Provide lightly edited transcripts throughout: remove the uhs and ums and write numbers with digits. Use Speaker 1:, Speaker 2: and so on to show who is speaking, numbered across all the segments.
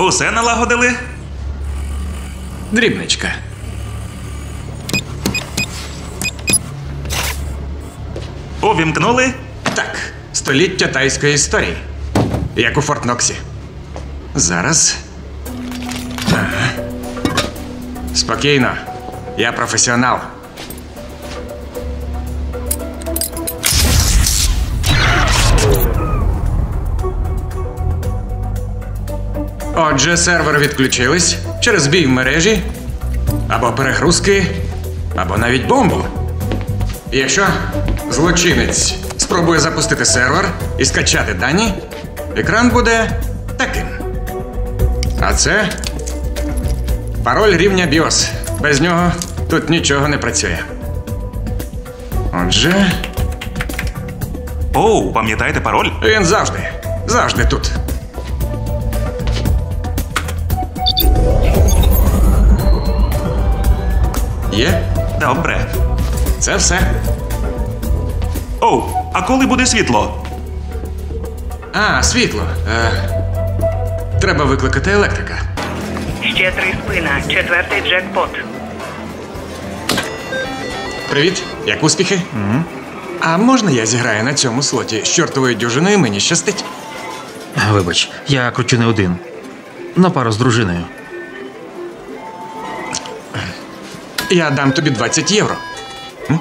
Speaker 1: Усе налагодили?
Speaker 2: Дрібничка.
Speaker 1: Увімкнули?
Speaker 2: Так, століття тайської історії. Як у Форт Ноксі. Зараз. Ага. Спокійно. Я професіонал. Отже, сервери відключились через збій в мережі, або перегрузки, або навіть бомбу. Якщо злочинець спробує запустити сервер і скачати дані, екран буде таким. А це пароль рівня BIOS. Без нього тут нічого не працює. Отже,
Speaker 1: Оу, пам'ятаєте пароль?
Speaker 2: він завжди тут. Є?
Speaker 1: Добре.
Speaker 2: Це все.
Speaker 1: Оу, а коли буде світло?
Speaker 2: А, світло. Треба викликати електрика.
Speaker 3: Ще 3 спина. 4-й джекпот.
Speaker 2: Привіт, як успіхи? А можна я зіграю на цьому слоті? З чортовою дюжиною мені щастить.
Speaker 4: Вибач, я кручу не один. На пару з дружиною.
Speaker 2: Я дам тобі 20 євро. М?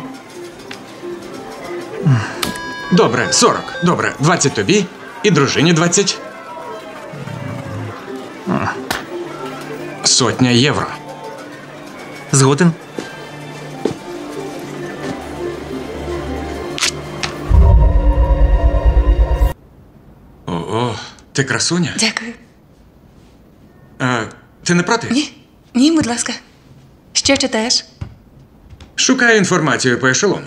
Speaker 2: Добре, 40. Добре, 20 тобі і дружині 20. 100 євро.
Speaker 4: Згоден?
Speaker 2: О, ти красуня?
Speaker 5: Дякую.
Speaker 2: Ти не проти?
Speaker 5: Ні, будь ласка. Що читаєш?
Speaker 2: Шукаю інформацію по ешелону.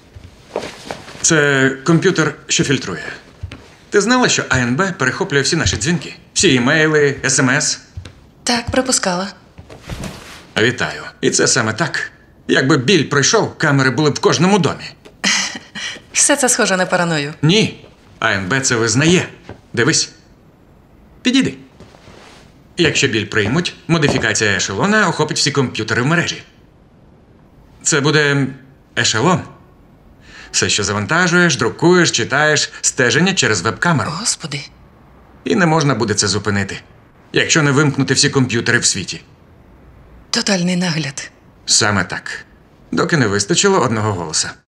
Speaker 2: Це комп'ютер, що фільтрує. Ти знала, що АНБ перехоплює всі наші дзвінки? Всі імейли, смс?
Speaker 5: Так, пропускала.
Speaker 2: Вітаю. І це саме так. Якби біль пройшов, камери були б в кожному домі.
Speaker 5: Все це схоже на параною.
Speaker 2: Ні. АНБ це визнає. Дивись. Підійди. Якщо біль приймуть, модифікація ешелона охопить всі комп'ютери в мережі. Це буде ешелон. Все, що завантажуєш, друкуєш, читаєш, стеження через веб-камеру.
Speaker 5: Господи.
Speaker 2: І не можна буде це зупинити, якщо не вимкнути всі комп'ютери в світі.
Speaker 5: Тотальний нагляд.
Speaker 2: Саме так. Доки не вистачило одного голоса.